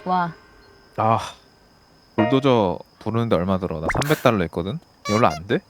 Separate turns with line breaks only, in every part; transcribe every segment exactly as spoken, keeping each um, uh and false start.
와.
아, 불도저 부르는데 얼마 들어? 나 삼백 달러 했거든? 이걸로 안 돼?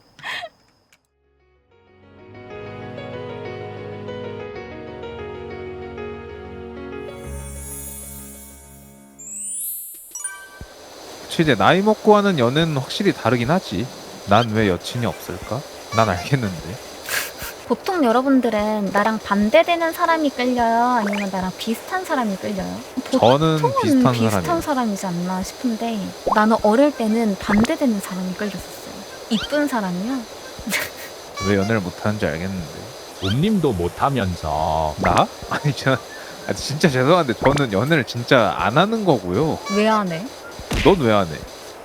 그치, 이제 나이 먹고 하는 연애는 확실히 다르긴 하지. 난 왜 여친이 없을까? 난 알겠는데.
보통 여러분들은 나랑 반대되는 사람이 끌려요? 아니면 나랑 비슷한 사람이 끌려요?
저는
보통은
비슷한
비슷한
사람이에요.
사람이지 않나 싶은데 나는 어릴 때는 반대되는 사람이 끌렸었어요. 이쁜 사람이요?
왜 연애를 못하는지 알겠는데.
옴님도 못하면서
나? 아니, 저, 아, 진짜 죄송한데 저는 연애를 진짜 안 하는 거고요.
왜 안 해?
넌 왜 안 해?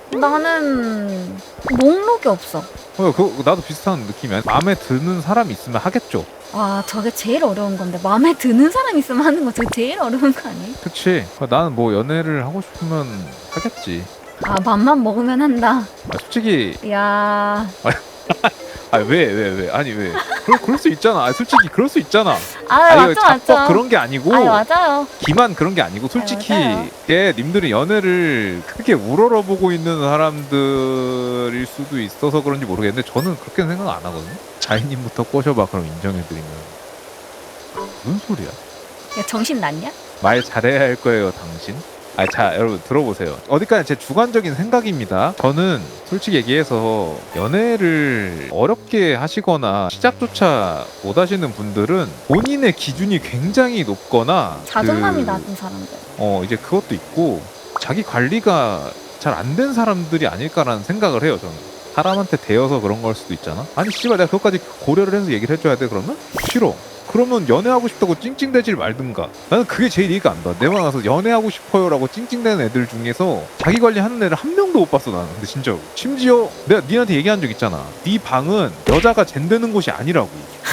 나는 목록이 없어.
어, 그, 나도 비슷한 느낌이야. 마음에 드는 사람이 있으면 하겠죠.
와, 저게 제일 어려운 건데 마음에 드는 사람 있으면 하는 거 저게 제일 어려운 거 아니에요?
그치. 나는 뭐 연애를 하고 싶으면 하겠지.
아, 맘만 먹으면 한다.
아, 솔직히
야,
아 왜 왜 왜 아니 왜 그럴, 그럴 수 있잖아. 아, 솔직히 그럴 수 있잖아.
아,
아니
맞죠,
자뻑
맞죠.
그런 게 아니고
아, 맞아요.
기만 그런 게 아니고 솔직히
맞아요.
게 님들이 연애를 크게 우러러보고 있는 사람들일 수도 있어서 그런지 모르겠는데 저는 그렇게 생각 안 하거든요. 자이님부터 꼬셔봐 그럼 인정해드리면. 무슨 소리야?
야, 정신 났냐?
말 잘해야 할 거예요, 당신. 아, 자, 여러분 들어보세요. 어디까지 제 주관적인 생각입니다. 저는 솔직히 얘기해서 연애를 어렵게 하시거나 시작조차 못 하시는 분들은 본인의 기준이 굉장히 높거나
자존감이
그,
낮은 사람들.
어, 이제 그것도 있고 자기 관리가 잘 안 된 사람들이 아닐까라는 생각을 해요, 저는. 사람한테 대여서 그런 걸 수도 있잖아. 아니 씨발 내가 그것까지 고려를 해서 얘기를 해줘야 돼 그러면? 싫어. 그러면 연애하고 싶다고 찡찡대질 말든가. 나는 그게 제일 이해가 안 가. 내가 가서 연애하고 싶어요라고 찡찡대는 애들 중에서 자기 관리하는 애를 한 명도 못 봤어 나는. 근데 진짜로. 심지어 내가 니한테 얘기한 적 있잖아. 네 방은 여자가 잰되는 곳이 아니라고.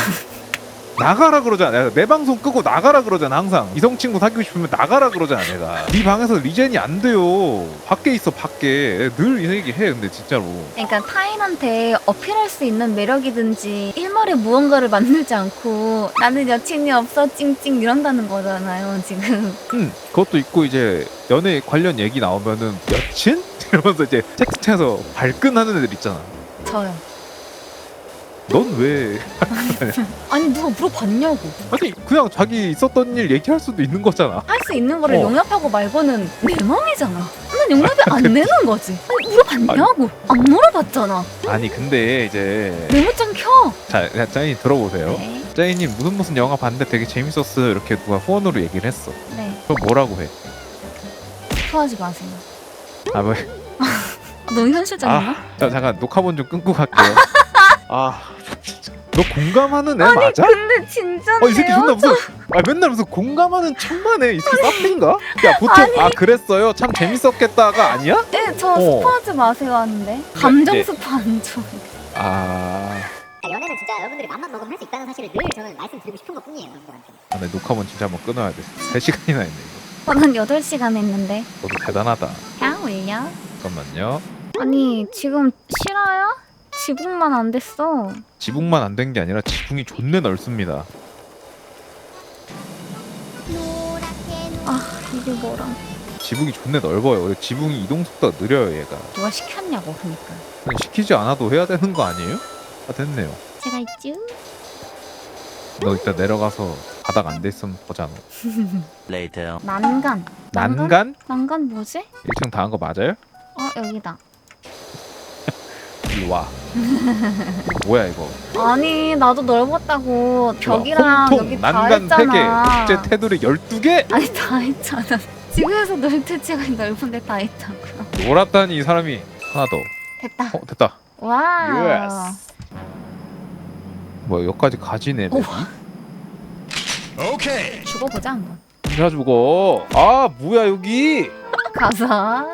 나가라 그러잖아. 내가 내 방송 끄고 나가라 그러잖아. 항상 이성 친구 사귀고 싶으면 나가라 그러잖아. 내가 네 방에서 리젠이 안 돼요. 밖에 있어 밖에. 늘 이 얘기 해. 근데 진짜로.
그러니까 타인한테 어필할 수 있는 매력이든지 일말의 무언가를 만들지 않고 나는 여친이 없어 찡찡 이런다는 거잖아요 지금.
응, 그것도 있고 이제 연애 관련 얘기 나오면은 여친? 이러면서 이제 채팅창에서 발끈하는 애들 있잖아.
저요.
넌 왜?
아니 누가 물어봤냐고.
아니 그냥 자기 있었던 일 얘기할 수도 있는 거잖아.
할 수 있는 거를
어.
용납하고 말고는 내 맘이잖아. 난 용납이 안 되는 거지. 아니 물어봤냐고. 안 물어봤잖아.
아니 근데 이제
메모장 켜.
자, 자, 짜이님 들어보세요.
네.
짜이님 무슨 무슨 영화 봤는데 되게 재밌었어요. 이렇게 누가 후원으로 얘기를 했어.
네.
그럼 뭐라고 해?
토하지 마세요.
아 뭐?
너무 현실적인가?
아, 자, 잠깐 녹화본 좀 끊고 갈게요. 아, 진짜. 너 공감하는 애
아니
맞아?
근데 진짜네요.
어, 이 새끼 존나 무슨 아 맨날 무슨 공감하는 척만 해. 이 새끼 사피인가? 야 보통
아니.
아 그랬어요. 참 재밌었겠다가 아니야?
네, 저
어.
스포하지 마세요 하는데 감정
네.
스포 안 줘.
아,
그러니까 연애는 진짜 여러분들이 맘만 먹으면 할 수 있다는 사실을 늘 저는 말씀드리고 싶은 것 뿐이에요, 여러분들한테.
아, 내 녹화본 진짜 한번 끊어야 돼. 세 시간이나 했네 이거.
저는 여덟 시간 했는데
너도 대단하다.
야 올려.
잠깐만요.
아니 지금 실화야? 지붕만 안 됐어.
지붕만 안 된 게 아니라 지붕이 존내 넓습니다.
아 이게 뭐라.
지붕이 존내 넓어요. 원래 지붕이 이동 속도가 느려요 얘가.
누가 시켰냐고 그러니까.
그냥 시키지 않아도 해야 되는 거 아니에요? 아 됐네요.
제가 있죠?
너 이따 내려가서 바닥 안 돼 있으면 보자 너.
later.
난간.
난간?
난간 뭐지?
일 층 다 한 거 맞아요?
어 여기다.
일로 와. 뭐야 이거?
아니 나도 넓었다고 벽이랑
홍통,
여기 다
난간 세 개,
했잖아.
국제 테두리 열두 개?
아니 다 했잖아. 지구에서 넓을 때가 넓은데 다 했다고요.
놀았다니 이 사람이. 하나 더.
됐다.
어 됐다.
와.
뭐야 여기까지 가지네. 맵이?
오케이.
죽어보자 한번.
진짜 죽어. 아 뭐야 여기?
가자.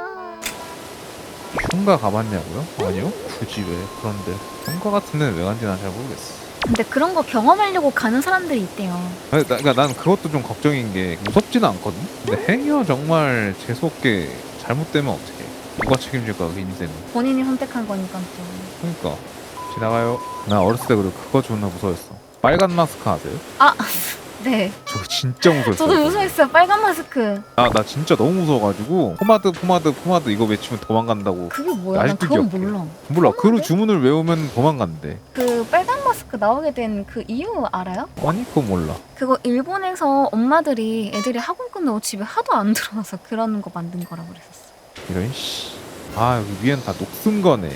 흉가 가봤냐고요? 아니요. 굳이 왜? 그런데 흉가 같은 데는 왜 간지 난 잘 모르겠어.
근데 그런 거 경험하려고 가는 사람들이 있대요.
아니, 나, 그러니까 난 그것도 좀 걱정인 게 무섭지는 않거든. 근데 행여 정말 재수없게 잘못되면 어떡해? 누가 책임질까 그 인생은?
본인이 선택한 거니까 또.
그러니까 지나가요. 나 어렸을 때 그리고 그거 존나 무서웠어. 빨간 마스크 아세요?
아 네.
저 진짜 무서웠어요.
저도 무서웠어요. 빨간 마스크.
아, 나 진짜 너무 무서워가지고 포마드 포마드 포마드 이거 외치면 도망간다고.
그게 뭐야? 난
아직도
그건
기억해.
몰라.
몰라. 그
포마드?
주문을 외우면 도망간대.
그 빨간 마스크 나오게 된 그 이유 알아요?
아니 그거 몰라.
그거 일본에서 엄마들이 애들이 학원 끝나고 집에 하도 안 들어와서 그런 거 만든 거라고 그랬었어.
이런 씨. 아 여기 위엔 다 녹슨 거네.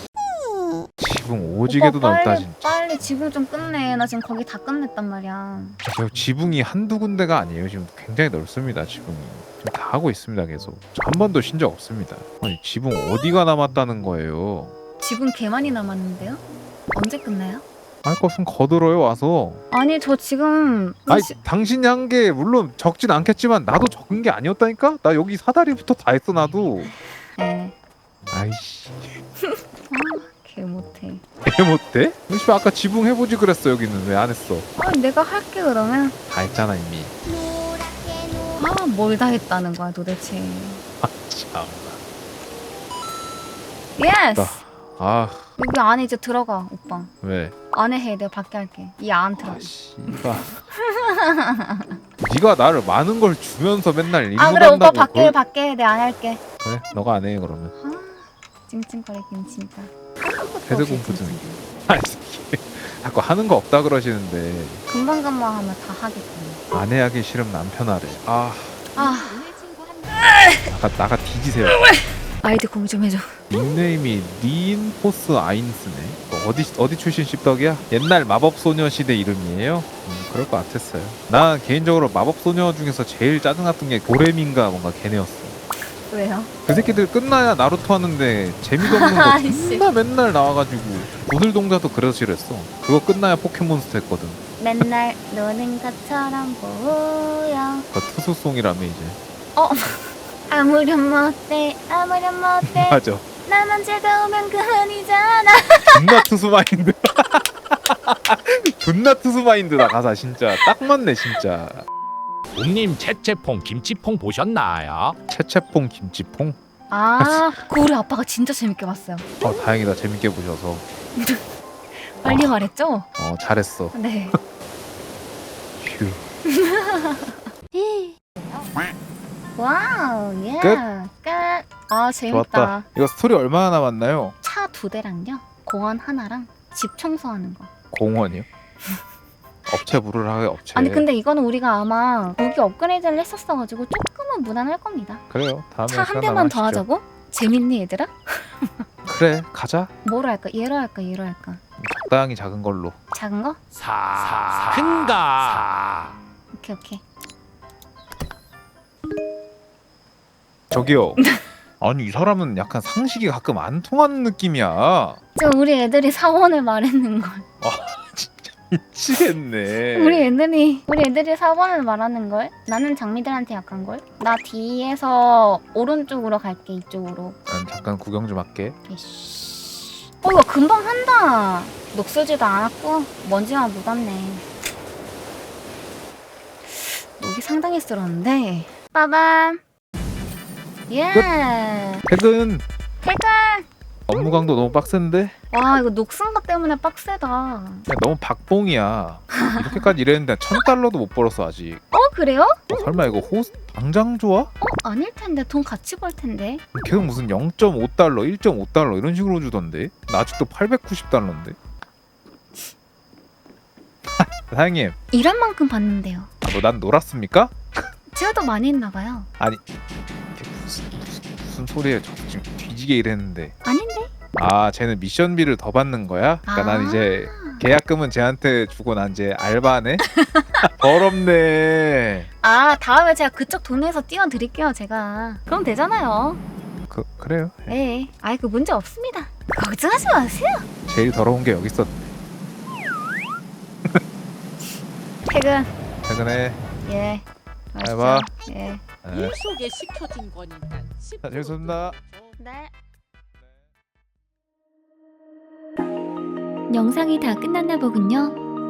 지붕 오지게도
오빠
넓다
빨리,
진짜.
빨리 지붕 좀 끝내. 나 지금 거기 다 끝냈단 말이야.
저 지붕이 한두 군데가 아니에요. 지금 굉장히 넓습니다. 지붕이. 지금 다 하고 있습니다. 계속. 한 번도 쉰 적 없습니다. 아니 지붕 어디가 남았다는 거예요?
지붕 개 많이 남았는데요? 언제 끝나요?
할 것은 거들어요 와서.
아니 저 지금
아니
시-
당신이 한 게 물론 적진 않겠지만 나도 적은 게 아니었다니까? 나 여기 사다리부터 다 했어 나도.
네.
아이씨.
개 못해.
왜 못해? 씨 아까 지붕 해보지 그랬어. 여기는 왜 안 했어?
아 내가 할게 그러면.
다 했잖아 이미.
아 뭘 다 했다는 거야 도대체.
아 참.
예스.
아
여기 안에 이제 들어가 오빠.
왜?
안에 해 내가 밖에 할게. 이 안 들어가.
아 씨발. 네가 나를 많은 걸 주면서 맨날 일부
아 그래 오빠
간다고
밖에
그걸-
밖에 내가 안 할게.
그래 너가 안 해 그러면.
아 찡찡거리긴 진짜.
패드 공부 중. 아이 새끼. 자꾸 하는 거 없다 그러시는데
금방 금방 하면 다 하겠군.
아내 하기 싫으면 남편 하래. 아
아
나가 나가 뒤지세요.
아이디 공유 좀 해줘.
닉네임이 니인포스 아인스네. 뭐 어디 어디 출신 씹덕이야? 옛날 마법 소녀 시대 이름이에요? 음, 그럴 것 같았어요. 난 개인적으로 마법 소녀 중에서 제일 짜증났던 게 도레민가 뭔가 걔네였어.
왜요?
그 새끼들 끝나야 나루토 하는데 재미도 없는 거
아이씨.
존나 맨날 나와가지고 부들 동자도 그래서 싫었어. 그거 끝나야 포켓몬스터 했거든.
맨날 노는 것처럼 보여.
그 투수송이라며 이제.
어 아무렴 못돼 아무렴 못돼
맞아.
나만 즐거우면 그만이잖아.
존나 투수 마인드. 존나 투수 마인드다 가사 진짜 딱 맞네 진짜.
옴님 채채퐁 김치퐁 보셨나요?
채채퐁 김치퐁.
아 그거 우리 아빠가 진짜 재밌게 봤어요.
어 다행이다 재밌게 보셔서.
빨리
어.
말했죠?
어 잘했어.
네.
휴.
와우 예.
끝?
끝. 아 재밌다.
좋았다. 이거 스토리 얼마나 남았나요?
차 두 대랑요. 공원 하나랑 집 청소하는 거.
공원이요? 업체 부르라 하게 업체.
아니 근데 이거는 우리가 아마 무기 업그레이드를 했었어가지고 조금은 무난할 겁니다.
그래요. 다음에
차 한
시간
대만
나면
더
하시죠.
하자고? 재밌니 얘들아?
그래 가자.
뭐로 할까? 얘로 할까? 얘로 할까?
적당히 작은 걸로.
작은 거?
사 큰가
오케이 오케이.
저기요. 아니 이 사람은 약간 상식이 가끔 안 통하는 느낌이야.
저 우리 애들이 사원을 말했는 걸.
미치겠네.
우리 애들이 우리 애들이 사원을 말하는 걸. 나는 장미들한테 약한 걸. 나 뒤에서 오른쪽으로 갈게 이쪽으로.
난 잠깐 구경 좀 할게.
이씨. 어 이거 금방 한다. 녹슬지도 않았고 먼지만 묻었네. 녹이 상당히 쓸었는데. 빠밤. 예.
퇴근.
퇴근.
업무 강도 너무 빡센데?
와 이거 녹슨 것 때문에 빡세다.
야, 너무 박봉이야. 이렇게까지 일했는데 천 달러도 못 벌었어 아직.
어 그래요?
어, 설마 이거 호스 당장 좋아?
어 아닐 텐데 돈 같이 벌 텐데.
계속 무슨 영 점 오 달러, 일 점 오 달러 이런 식으로 주던데? 나 아직도 팔백구십 달러인데? 사장님,
일한 만큼 받는데요.
뭐 난 놀았습니까?
제가 더 많이 했나 봐요.
아니 이게 무슨, 무슨, 무슨 소리예요? 저 지금 뒤지게 일했는데.
아닌데?
아 쟤는 미션비를 더 받는 거야? 그러니까
아.
난 이제 계약금은 쟤한테 주고 난 이제 알바네? 더럽네.
아 다음에 제가 그쪽 돈에서 띄워드릴게요 제가. 그럼 되잖아요.
그, 그래요.
네. 아이 그 문제 없습니다. 걱정하지 마세요.
제일 더러운 게 여기 있었네.
퇴근.
퇴근해.
예.
잘 봐.
예.
네.
일 속에 시켜진 거니까.
자, 재밌었습니다.
네.
영상이 다 끝났나 보군요.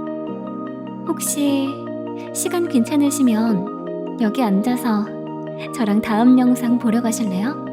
혹시 시간 괜찮으시면 여기 앉아서 저랑 다음 영상 보러 가실래요?